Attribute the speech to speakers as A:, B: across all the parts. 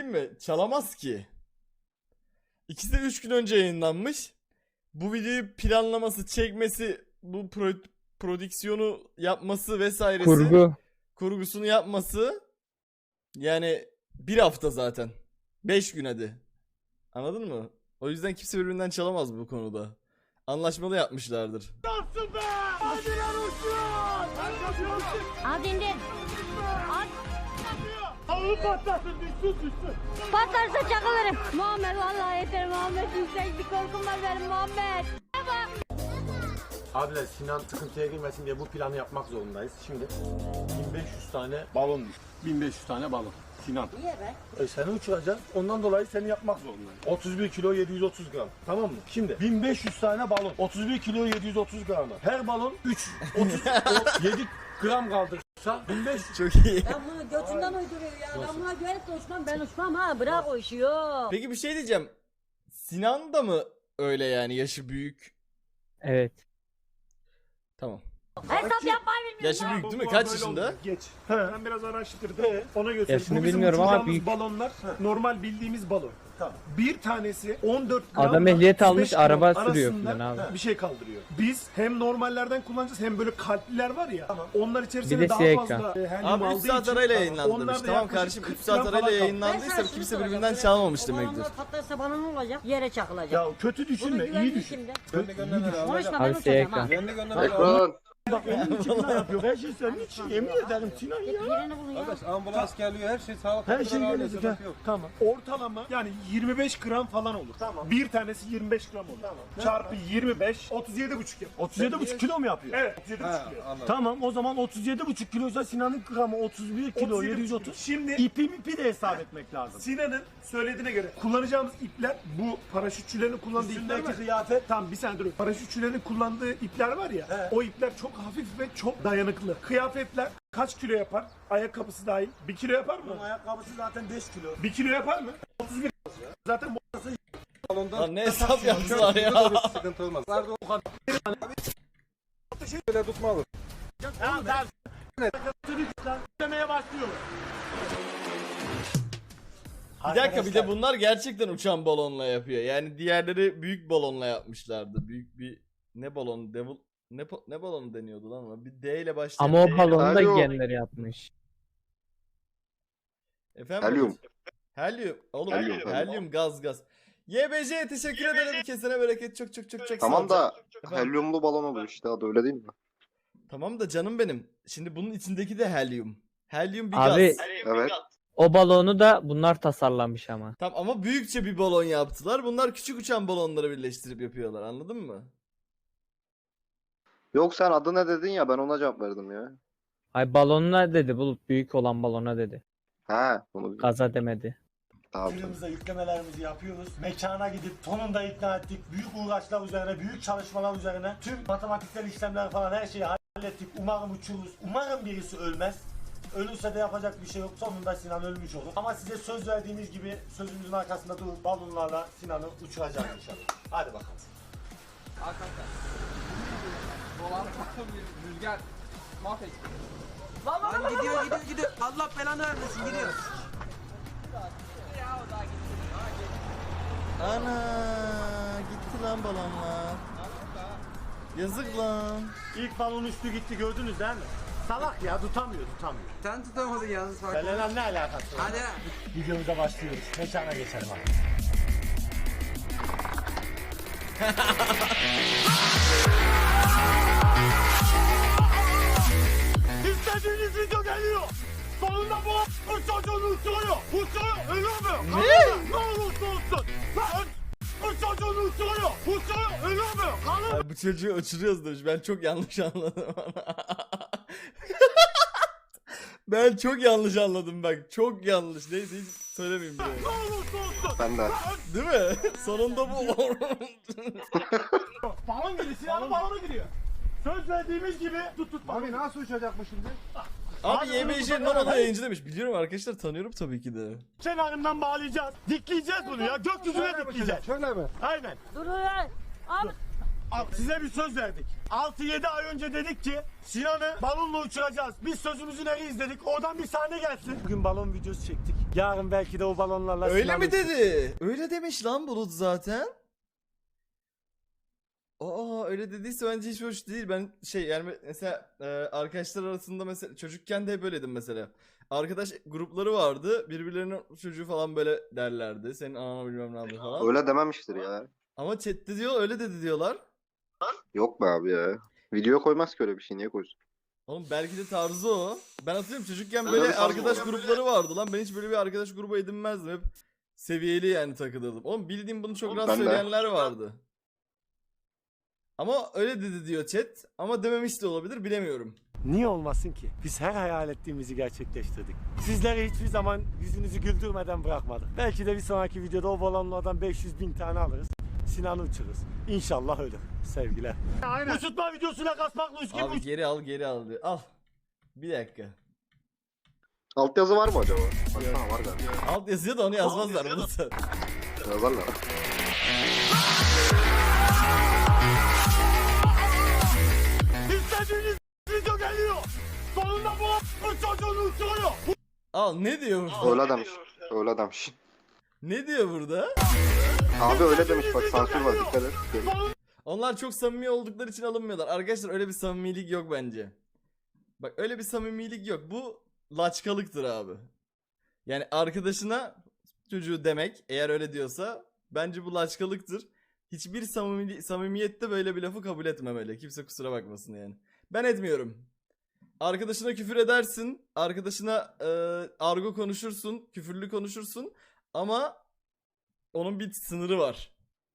A: söyleyeyim mi? Çalamaz ki. İkisi de 3 gün önce yayınlanmış. Bu videoyu planlaması, çekmesi, bu prodüksiyonu yapması vesairesi. Kurgusunu yapması. Yani bir hafta zaten. 5 gün hadi. Anladın mı? O yüzden kimse birbirinden çalamaz bu konuda. Anlaşmalı yapmışlardır.
B: Nasıl be? Hadi lan uçuyor!
C: Al dindir. Al.
B: Halı patlasın, düşsün.
C: Patlarsa çakılırım. Muhammed vallahi yeter Muhammed. Yükseklik korkum var benim Muhammed.
D: Abiler Sinan sıkıntıya girmesin diye bu planı yapmak zorundayız. Şimdi 1500 tane balon düştü. 1500 tane balon. Sinan.
C: Niye be?
D: Seni uçuracağız. Ondan dolayı seni yapmak zorundayız. 31 kilo 730 gram. Tamam mı? Şimdi 1500 tane balon. 31 kilo 730 gram. Her balon 7 gram kaldırırsa 1500.
A: Çok iyi.
C: Ben bunu götünden uyduruyor ya. Ben buna güvenip de uçmam. Ben uçmam ha. Bırak o işi yok.
A: Peki bir şey diyeceğim. Sinan da mı öyle yani, yaşı büyük?
E: Evet.
A: Tamam.
C: Hesap yapmayı bilmiyorum.
A: Yaşı büyük değil mi? Kaç yaşında?
B: Geç. Ben biraz araştırdım. Ona göre
E: Yaşını
B: bu bizim
E: bilmiyorum ama
B: uçacağımız
E: büyük.
B: balonlar normal bildiğimiz balon.
D: Tamam.
B: Bir tanesi 14 gram.
E: Adam ehliyet almış,
B: 35 gram
E: araba sürüyor
B: arasında
E: falan abi.
B: bir şey kaldırıyor. Biz hem normallerden kullanacağız hem böyle kalpliler var ya. Onlar
E: Bir
B: içerisinde
E: de
B: daha
E: siyah
B: fazla helyum
A: Abi 3
B: aldığı
A: saat
B: için
A: arayla
B: onlar
A: yayınlandırmış.
B: da
A: Tamam
B: yaklaşık
A: kardeşim,
B: 40
A: 3 saat
B: gram
A: arayla
B: falan
A: yayınlandıysa kimse birbirinden çalmamış demektir.
C: Patlarsa bana ne olacak? Yere çakılacak.
B: Ya kötü düşünme, iyi düşün.
C: Kimde?
E: Abi
C: Konuşma ben
E: siyah
C: uçacağım ha.
E: ekran.
B: Bak onun için ne yapıyor? Her şey senin için. Yemin ederim Sinan ya.
C: Birini bulun ya.
F: Ambulans geliyor, her şey sağlık.
B: Her şey
F: aile,
B: gelecek
F: sıkıntı
B: ha.
F: yok.
B: Tamam. Ortalama yani 25 gram falan olur. Tamam. Bir tanesi 25 gram olur. Tamam. Çarpı 25, 37,5 yapıyor. 37,5 kilo mu yapıyor? Evet, 37,5 kilo.
F: Anladım.
B: Tamam, o zaman 37,5 kiloysa Sinan'ın gramı 31 kilo 730. Şimdi ipi de hesap etmek lazım. Sinan'ın söylediğine göre kullanacağımız ipler, bu paraşütçülerin kullandığı ipler
D: Üstündeki
B: var.
D: kıyafet.
B: Tamam, bir saniye durun. Paraşütçülerin kullandığı ipler var ya, o ipler çok hafif ve çok dayanıklı. Kıyafetler kaç kilo yapar? Ayakkabısı dahil. 1 kilo yapar mı?
D: Bunun ayakkabısı zaten 5 kilo.
B: 1 kilo yapar mı? 31 zaten
F: Salonda
A: Lan ne hesap yaptılar ya.
F: bir sıkıntı olmaz. Nerede o kadar? Böyle tutmalı.
B: tamam. Demeye başlıyorum.
A: Bir dakika, bir de bunlar gerçekten uçan balonla yapıyor. Yani diğerleri büyük balonla yapmışlardı. Büyük bir ne balon, ne balonu deniyordu lan ona? Bir D ile başlayan.
E: Ama o
A: D-
E: balonu da
G: Alo.
E: genleri yapmış.
A: Efendim?
G: Helyum.
A: Helyum. Oğlum
G: Helyum.
A: helyum gaz. YBC teşekkür ederim. Kesene bereket, çok
G: Tamam
A: sağ ol.
G: da
A: Efendim?
G: helyumlu balon olur işte, adı öyle değil mi?
A: Tamam da canım benim. Şimdi bunun içindeki de helyum. Helyum bir
E: Abi
A: gaz.
G: Evet.
E: o balonu da bunlar tasarlamış ama.
A: Tamam ama büyükçe bir balon yaptılar. Bunlar küçük uçan balonları birleştirip yapıyorlar. Anladın mı?
G: Yok, sen adı ne dedin ya, ben ona cevap verdim ya.
E: Ay balonuna dedi, Bulut büyük olan balona dedi.
G: Ha, onu
E: Gaza demedi.
G: tamam.
D: Günümüzde yüklemelerimizi yapıyoruz. Mekana gidip sonunda ikna ettik. Büyük uğraşlar üzerine, büyük çalışmalar üzerine. Tüm matematiksel işlemler falan her şeyi hallettik. Umarım uçuruz. Umarım birisi ölmez. Ölürse de yapacak bir şey yok. Sonunda Sinan ölmüş olur. Ama size söz verdiğimiz gibi sözümüzün arkasında durup balonlarla Sinan'ı uçuracağız inşallah. Hadi bakalım.
F: Arkadaşlar. Dolan rüzgar. Mahvet.
H: Lan gidiyor. Allah belanı vermesin gidiyor.
A: Ana gitti lan balonlar. Yazık lan.
B: İlk balon üstü gitti, gördünüz değil mi? Salak ya, tutamıyor.
H: Sen tutamadın yalnız fark.
B: Belenan ne alakası var?
H: Hadi.
B: Videomuza başlıyoruz. Mekana geçelim abi. İstediğiniz video geliyor. Sonunda bu çocuğunu uçuruyor. Ölüyor mu? Ne olursa olsun. Bu çocuğunu uçuruyor. Ölüyor mu? Kalır.
A: Ay, bu çocuğu uçuruyoruz demiş. Ben çok yanlış anladım. Ben çok yanlış anladım bak. Çok yanlış. Neyse hiç söylemeyeyim bile.
B: Ne olursa olsun.
G: Ben de.
A: Değil mi? Sonunda bu.
B: Balon giriyor. Silahlı balona giriyor. Söz verdiğimiz gibi tut.
F: Abi nasıl uçacak bu şimdi?
A: Abi YBC Nono'da yayıncı demiş. Biliyorum arkadaşlar, tanıyorum tabii ki de.
B: Kenarından bağlayacağız. Dikleyeceğiz bunu ya. Gökyüzüne dikleyeceğiz.
F: Şöyle mi?
B: Aynen.
C: Dur ya. Al.
B: Size bir söz verdik. 6-7 ay önce dedik ki Sinan'ı balonla uçuracağız. Biz sözümüzün eriyiz dedik. Oradan bir sahne gelsin. Bugün balon videosu çektik. Yarın belki de o balonlarla
A: Öyle
B: Sinan'ı
A: mi dedi? Öyle demiş lan Bulut zaten. Aa öyle dediyse bence hiç hoş değil. Ben yani mesela arkadaşlar arasında mesela çocukken de hep böyleydim mesela. Arkadaş grupları vardı. Birbirlerinin çocuğu falan böyle derlerdi. Senin anana bilmem ne yaptı falan.
G: Öyle dememiştir ya.
A: Ama chatte diyor öyle dedi diyorlar.
G: Yok be abi ya. Video koymaz ki öyle bir şey. Niye koysun?
A: Oğlum belki de tarzı o. Ben hatırlıyorum çocukken
G: Öyle
A: böyle
G: bir tarz
A: arkadaş
G: var.
A: grupları vardı lan. Ben hiç böyle bir arkadaş grubu edinmezdim. Hep seviyeli yani takılırdım. Oğlum bildiğim bunu çok rahat
G: Ben de.
A: söyleyenler vardı. Ama öyle dedi diyor chat. Ama dememiş de olabilir bilemiyorum.
B: Niye olmasın ki? Biz her hayal ettiğimizi gerçekleştirdik. Sizleri hiçbir zaman yüzünüzü güldürmeden bırakmadık. Belki de bir sonraki videoda o balonlardan 500.000 tane alırız. Sinan'ı uçururuz. İnşallah ölür. Sevgiler. Uçurtma videosuna kasmakla üç gibi
A: Abi geri al diyor. Al. Bir dakika.
G: Altyazı var mı acaba? Baksana var galiba.
A: Alt yazıyor da onu yazmazlar. Bulut.
G: Yazarlar.
B: İstediğiniz video geliyor. Sonunda bu çocuğunu uçuruyor.
A: Al ne diyor burada?
G: Öyle demiş. Öyle demiş.
A: Ne diyor burada?
G: Abi öyle demiş bak sansür var dikkat et.
A: Onlar çok samimi oldukları için alınmıyorlar. Arkadaşlar öyle bir samimilik yok bence. Bak öyle bir samimilik yok. Bu laçkalıktır abi. Yani arkadaşına çocuğu demek eğer öyle diyorsa bence bu laçkalıktır. Hiçbir samimiyette böyle bir lafı kabul etmemeli. Kimse kusura bakmasın yani. Ben etmiyorum. Arkadaşına küfür edersin. Arkadaşına argo konuşursun. Küfürlü konuşursun. Ama onun bir sınırı var.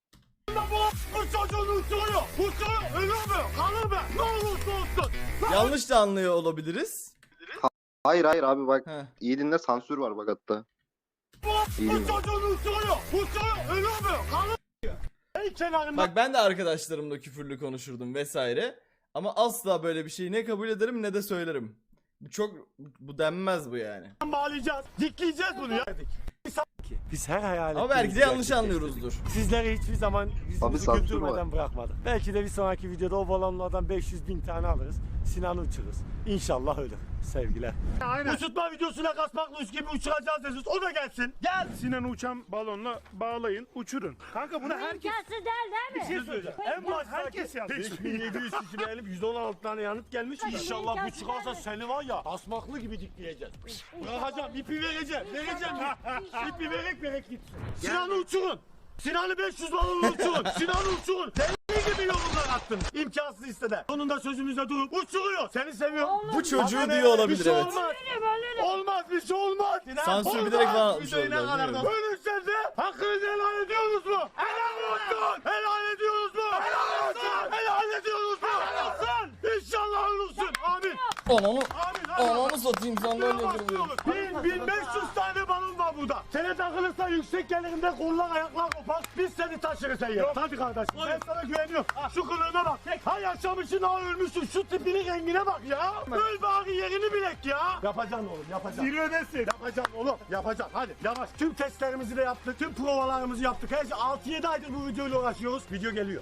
B: Bu çocuğunu uçuruyor. Uçuruyor. Ölür mü? Kalır mı? Ne olursa olsun.
A: Yanlış da anlıyor olabiliriz.
G: Hayır abi bak.
A: Heh.
G: İyi dinle sansür var bak hatta. İyi
B: Bu
G: dinle.
B: çocuğunu uçuruyor. Uçuruyor. Ölür mü? Kalır mı? En kenarında.
A: Bak ben de arkadaşlarımla küfürlü konuşurdum vesaire. Ama asla böyle bir şeyi ne kabul ederim ne de söylerim. Bu denmez bu yani.
B: Bağlayacağız. Dikleyeceğiz bunu ya. Biz her hayal
A: Ama belki de yanlış anlıyoruzdur.
B: Sizleri hiçbir zaman
G: Abi
B: yüzünüzü
G: sansür
B: güldürmeden
G: var.
B: bırakmadık. Belki de bir sonraki videoda o balonlardan 500.000 tane alırız. Sinan'ı uçururuz. İnşallah ölür. Sevgiler. Uçurtma videosuna kasmakla üç gibi uçuracağız diyorsunuz. O da gelsin. Gel.
I: Sinan'ı uçan balonla bağlayın, uçurun. Kanka bunu herkes
C: İmkansız değil
B: Bir şey söyleyeceğim. En başta
I: herkes yazdı.
B: 5700 kişi beğenip 116 tane yanıt gelmiş. İnşallah bu çıkarsa seni var ya asmaklı gibi dikleyeceğiz. Bırakacağım, ipi vereceğim. Vereceğim. İpi vererek git. Sinan'ı uçurun. Sinan'ı 500 balonla uçurun. Sinan'ı uçurun. Deli gibi yorumlar attın. İmkansız istede. Sonunda sözümüzde durup uçuruyor. Seni seviyorum.
A: Bu çocuğu
B: Bak,
A: diyor olabilir
B: bir şey
A: evet.
B: Olmaz. Olmaz bir şey olmaz.
A: Sansür
B: Olmaz.
A: bilerek falan atmış
B: Videoyu ne
A: oldular,
B: kadar
A: değil
B: da-
A: mi?
B: Ölürseniz de hakkınızı helal ediyorsunuz mu? Helal olsun. Helal ediyoruz mu? Helal olsun. Helal ediyoruz mu? Helal olsun. İnşallah olursun. Amin.
A: Ananı,
B: Amin.
A: ananı satayım sandalye kırılıyor.
B: 1500 tane balon var burada. Sene takılırsa yüksek gelirinde kollar ayaklar kopar. Biz seni taşırız sen ya. Hadi kardeşim ben sana güveniyorum. Şu kılığına bak. Ha yaşamışsın ha ölmüşsün. Şu tipinin rengine bak ya. Öl bari yerini bilek ya. Yapacaksın oğlum yapacaksın.
I: zirvedesin.
B: Yapacaksın oğlum yapacaksın. Hadi yavaş. Tüm testlerimizi de yaptık. Tüm provalarımızı yaptık. Her şey 6-7 aydır bu videoyla uğraşıyoruz. Video geliyor.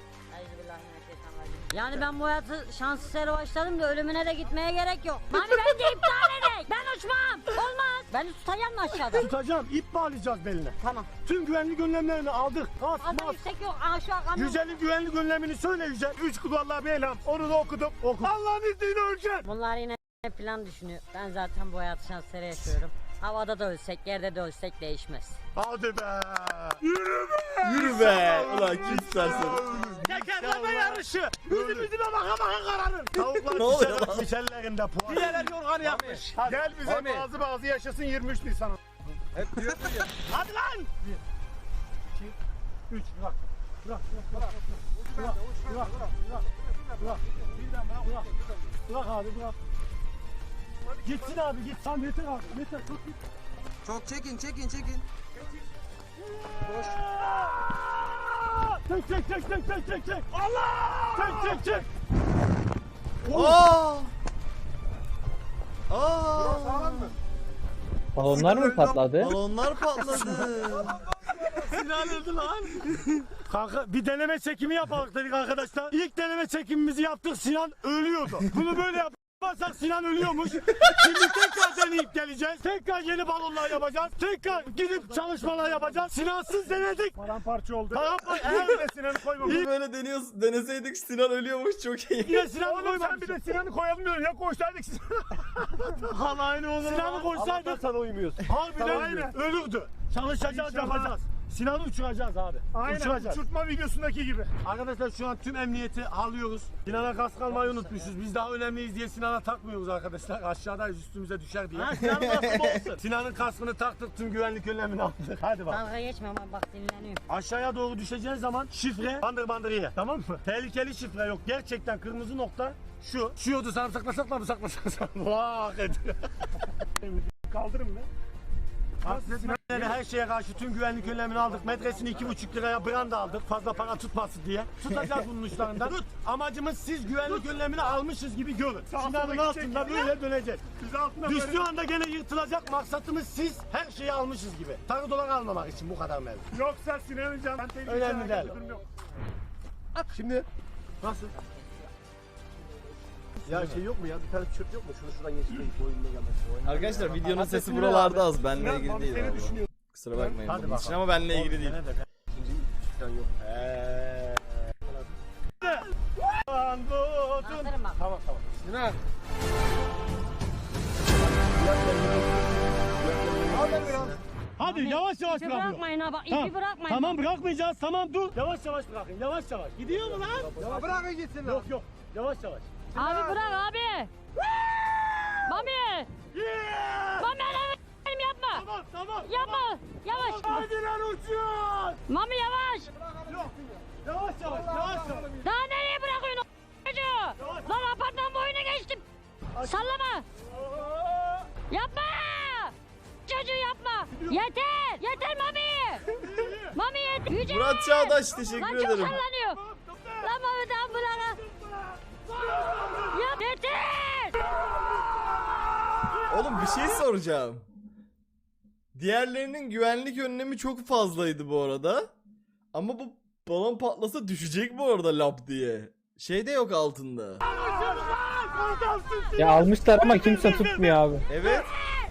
C: Yani ben bu hayatı şans eseri başladım da ölümüne de gitmeye gerek yok. Mami bence iptal edek. Ben uçmam. Olmaz. Beni tutacağım mı aşağıda?
B: Tutacağım. İp bağlayacağız beline.
C: Tamam.
B: Tüm güvenlik önlemlerini aldık. Kas,
C: Fazla
B: mas.
C: yüksek yok. Aa şu an kamyon.
B: Yücel'in güvenlik önlemini söyle Yücel. 3 kulvarla bir elham. Onu da okudum. Oku. Allah'ın izniyle öleceksin.
C: Bunlar yine plan düşünüyor. Ben zaten bu hayatı şans eseri yaşıyorum. Havada da ölsek, yerde de ölsek değişmez.
B: Hadi be. Yürü be.
A: Yürü be. Ulan kim istersen.
B: Tekerleme yarışı. Yüzümüzüne baka baka kararır. Tavuklar
A: Ne oluyor lan?
B: dişellerinde puan. Diğerler yorgan yapmış.
I: Gel bize
F: Mami.
I: bazı yaşasın 23 Nisan.
F: Hep diyor ya.
B: Hadi lan. 1, 2, 3. Bırak. Bırak. Bırak abi bırak. Gitsin abi git. Tamam yeter abi. Yeter. Tut git.
H: Çok çekin.
B: Çek. Allah! Çek.
A: Aa! Aa!
E: Balonlar mı patladı?
A: Balonlar patladı.
B: Sinan öldü lan. Kanka bir deneme çekimi yapalım dedik arkadaşlar. İlk deneme çekimimizi yaptık, Sinan ölüyordu. Bunu böyle yaparsak Sinan ölüyormuş. Şimdi tekrar deneyip geleceğiz. Tekrar yeni balonlar yapacağız. Tekrar gidip çalışmalar yapacağız. Sinansız denedik.
I: Paramparça oldu.
B: Eğer
I: Bir de Sinan'ı koymamız.
A: Böyle deneseydik Sinan ölüyormuş, çok iyi.
B: yine Sinan'ı
I: Oğlum sen
B: koymadık.
I: bir de Sinan'ı koyalım diyorsun. Ya koysaydık Sinan'ı.
B: Hala aynı olur. Sinan'ı koysaydık. Sana uymuyorsun. Harbiden
I: Aynen.
B: ölürdü. Çalışacağız,
I: İnşallah.
B: yapacağız. Sinan'ı uçuracağız abi.
I: Aynen
B: Uçuracağız.
I: uçurtma videosundaki gibi.
B: Arkadaşlar şu an tüm emniyeti alıyoruz. Sinan'a kask almayı unutmuşuz. Biz daha önemliyiz diye Sinan'a takmıyoruz arkadaşlar. Aşağıdayız, üstümüze düşer diye. Sinan'ın kaskı olsun. Sinan'ın kaskını taktık, tüm güvenlik önlemini aldık. Hadi bak.
C: Dalga geçme ama bak dinleniyorum.
B: Aşağıya doğru düşeceğin zaman şifre bandır ye. Tamam mı? Tehlikeli şifre yok. Gerçekten kırmızı nokta şu. Şuyordu, sana saklasakla mı saklasan? Vah ediyor.
I: Kaldırın mı?
B: Her şeye karşı tüm güvenlik önlemini aldık. Metresini 2,5 liraya branda aldık. Fazla para tutmasın diye. Tutacağız bunun uçlarından. Tut. Amacımız siz güvenlik önlemini almışız gibi görün. Sinan'ın altında böyle döneceğiz.
I: Biz altına
B: Düştüğü anda gene yırtılacak. Maksatımız siz her şeyi almışız gibi. Tarı dolar almamak için bu kadar mevzu.
I: Yoksa Sinan'ın canı. Ben tehlikeli
B: Önemli değil.
I: durum yok.
B: Şimdi nasıl?
G: Ya şey yok mu ya? Bir tane tişört yok mu? Şunu şuradan geçireyim. Boyunla gelmesin.
A: Arkadaşlar videonun sesi
B: Adresini
A: buralarda
B: ver
A: az. Benle
I: Sinan,
A: ilgili
I: Mami
A: değil
I: seni
A: abi.
I: düşünüyor.
A: Kusura bakmayın
B: Hadi
A: bunun için
B: bakalım.
A: ama benle ilgili değil.
G: İkinci falan yok.
C: Kaldırın bak.
B: Tamam.
F: Sinan.
B: Hadi yavaş yavaş
C: İpi
B: bırakıyor.
C: bırakmayın ha bak,
B: Tamam.
C: ipi bırakmayın.
B: Tamam bırakmayacağız. Tamam dur. Yavaş yavaş bırakın. Yavaş yavaş. Gidiyor mu lan?
F: Ya bırakın gitsin lan.
B: Yok. Yavaş yavaş.
C: Abi bırak abi. Mami. Mami elim yapma.
B: Tamam.
C: Yapma. Yavaş.
B: Hadi lan uçuyor.
C: Mami yavaş.
B: Yavaş.
C: Daha nereye bırakıyorsun o çocuğu? Lan apartman boyuna geçtim. Sallama. Yapma. Çocuğu yapma. Yeter Mami. Mami yeter. Yüce.
A: Murat Çağdaş
C: Lan
A: teşekkür
C: çok
A: ederim.
C: sallanıyor. Lan Mami daha bırak. Ya yeter.
A: Oğlum bir şey soracağım. Diğerlerinin güvenlik önlemi çok fazlaydı bu arada. Ama bu balon patlasa düşecek bu arada lap diye. Şey de yok altında.
E: Ya almışlar ama kimse tutmuyor abi.
A: Evet.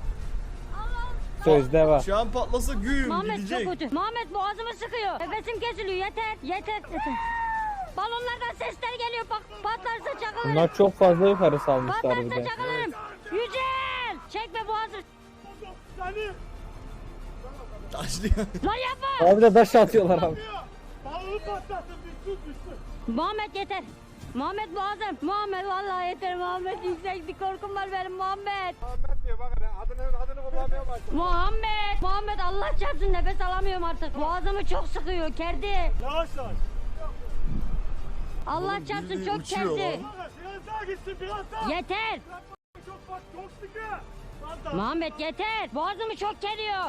E: Sözde var.
A: Şu an patlasa güyüm
C: Muhammed
A: gidecek.
C: çok kötü. Muhammed boğazımı sıkıyor. Nefesim kesiliyor. Yeter. Balonlardan sesler geliyor. Bak patlarsa çakılırım.
E: Bunlar çok fazla yukarı salmışlar bir
C: Patlarsa
E: de.
C: çakılırım. Yücel. Çekme boğazı.
A: Taşlıyor.
C: Lan yapma.
E: Abi de taş atıyorlar abi.
B: Balonu patlattın. Düştün.
C: Muhammed yeter. Muhammed boğazım. Muhammed vallahi yeter. Muhammed yüksek bir korkum var benim Muhammed.
F: Ahmet diyor bak hele. Adını kullanmaya başladı.
C: Muhammed Allah çarpsın nefes alamıyorum artık. Boğazımı çok sıkıyor. Kerdi.
B: Yavaş.
C: Allah
A: Oğlum,
C: çarpsın
A: bildiğin
C: çok
A: uçuyor
C: kerdi.
A: lan.
B: Biraz daha gitsin biraz daha.
C: Yeter.
B: Çok sıkı.
C: Muhammed yeter. Boğazımı çok geliyor.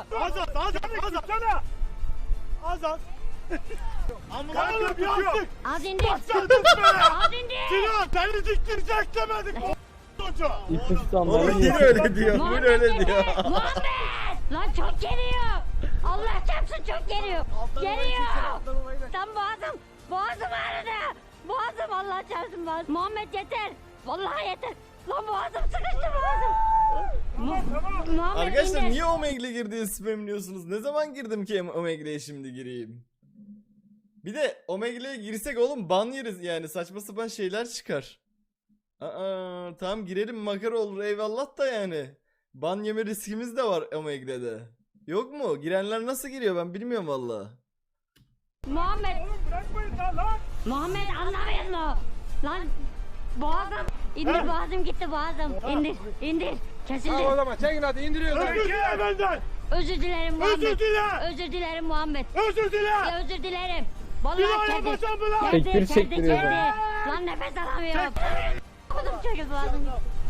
B: Az. Kanka bir attık.
C: Az indir.
B: Başladık be.
C: Az indir.
B: Sinan beni diktirecek demedik. Çocuğu.
E: İpi tutanları
A: Oğlum yine öyle diyor. Yine
C: Muhammed
A: öyle
C: yeter.
A: diyor.
C: Muhammed. Lan çok geliyor. Allah çarpsın çok geliyor. Geliyor. Tam boğazım ağrıdı. Boğazım Allah çarpsın boğazım. Muhammed yeter. Vallahi yeter. Lan boğazım sıkıştı boğazım. Muhammed
A: Arkadaşlar
C: indir.
A: niye Omegle girdiği spamliyorsunuz? Ne zaman girdim ki Omegle'ye şimdi gireyim? Bir de Omegle'ye girsek oğlum ban yeriz yani, saçma sapan şeyler çıkar. Tamam girelim, makara olur eyvallah da yani. Ban yeme riskimiz de var Omegle'de. Yok mu? Girenler nasıl giriyor ben bilmiyorum valla.
C: Muhammed.
I: Bırakmayın lan.
C: Muhammed anlamıyor mu? Lan boğazım. İndir boğazım gitti boğazım. İndir. Kesildi.
F: Tamam o zaman çekin hadi indiriyoruz.
B: Özür dile benden.
C: Özür dilerim Muhammed.
B: Özür dile.
C: Özür dilerim Muhammed.
B: Özür dile.
C: Ya özür dilerim.
B: Bir
C: Vallahi
B: daha
C: kendi.
B: yapacağım mı lan?
E: Tekbir çektiriyor
C: kendi.
E: bana.
C: Lan nefes alamıyorum. Kodum çocuk boğazım.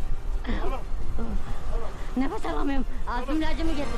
C: Nefes alamıyorum. Ağzım ilacımı getir.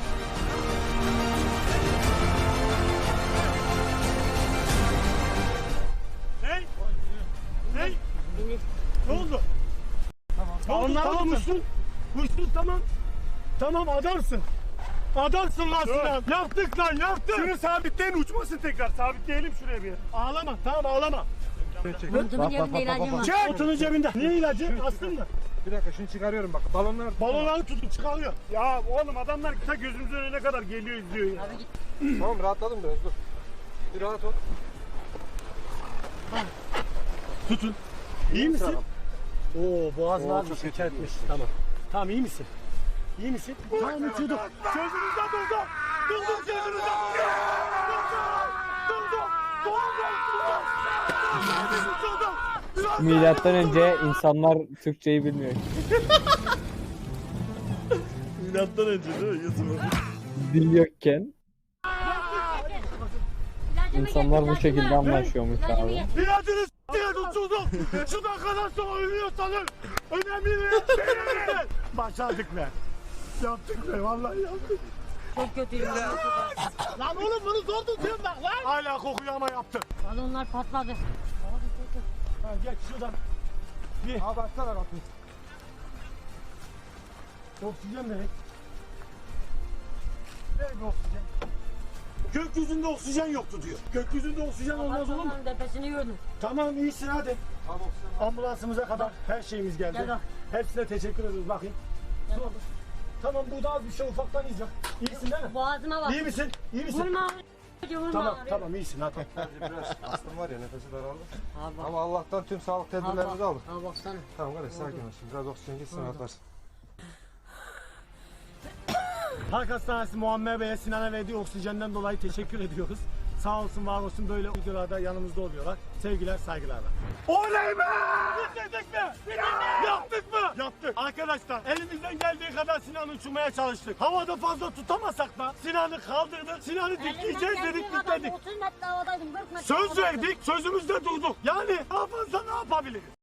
B: Ne? Ne oldu? Tamam. Uçtun tamam. Tamam adamsın. Adamsın lan Sinan. Yaptık lan yaptık.
I: Şunu sabitleyin uçmasın tekrar. Sabitleyelim şuraya bir.
B: Ağlama tamam ağlama.
C: Montumun cebinde ilacım var.
B: Çek. Otunun cebinde. Niye ilacı? Astın mı?
F: Bir dakika şunu çıkarıyorum bak. Balonlar.
B: Balonları tutun çıkarıyor.
I: Ya oğlum adamlar ta gözümüzün önüne kadar geliyor izliyor ya.
C: Abi git.
F: Tamam rahatladım biraz dur. Bir rahat ol.
B: Tutun. İyi misin? Oo boğazın az bir şeker etmiş. Tamam. Tamam iyi misin? İyi misin? Tamam uçurduk. Sözünüzde durdum. Durdum sözünüzde durdum.
E: Milattan önce insanlar Türkçeyi bilmiyor.
A: Milattan önce değil mi Yusuf?
E: Dil yokken
C: İlacımı
E: insanlar
C: getir,
E: bu şekilde
C: ilacımı.
E: anlaşıyormuş
C: İlacımı
E: abi.
C: getir.
B: İlacınız diye tutuldum. Şuradan kadar sonra ölüyorsanız önemli değil. Başardık be. Yaptık be vallahi yaptık.
C: Çok kötüyüm ben.
B: Lan oğlum bunu zor tutuyorum bak lan. Hala kokuyor ama yaptık.
C: Balonlar patladı.
B: Ha, geç şuradan.
F: Abi açsana kapıyı.
B: Oksijen verek. Ver bir oksijen. Gökyüzünde oksijen yoktu diyor. Gökyüzünde oksijen olmaz olur mu?
C: Balonların tepesini gördüm.
B: Tamam iyisin hadi.
F: Tamam oksijen.
B: Ambulansımıza kadar her şeyimiz geldi.
C: Gel bak.
B: Hepsine teşekkür ediyoruz bakayım.
C: Gel
B: Dur. Tamam bu da az bir şey ufaktan yiyeceğim. İyisin değil mi?
C: Boğazıma bak.
B: İyi misin? İyi misin?
C: Vurma. Vurma.
B: Tamam tamam iyisin hadi.
F: Biraz astım var ya nefesi daraldı.
C: Abi bak.
F: Ama Allah'tan tüm sağlık tedbirlerimizi aldık.
C: Abi baksana.
F: Tamam kardeş sakin ol şimdi. Biraz oksijen gitsin rahatlarsın.
B: Halk Hastanesi Muammer Bey'e Sinan'a verdiği oksijenden dolayı teşekkür ediyoruz. Sağ olsun var olsun böyle videolarda yanımızda oluyorlar. Sevgiler saygılarla. Oley be! Bitirdik mi? Yaptık mı? Yaptık. Arkadaşlar elimizden geldiği kadar Sinan'ı uçurmaya çalıştık. Havada fazla tutamasak da Sinan'ı kaldırdık. Sinan'ı dikleyeceğiz dedik dikledik.
C: 30 metre havadaydım. 40 metre
B: Söz
C: havadaydım.
B: verdik, sözümüzde durduk. Yani daha fazla ne yapabiliriz?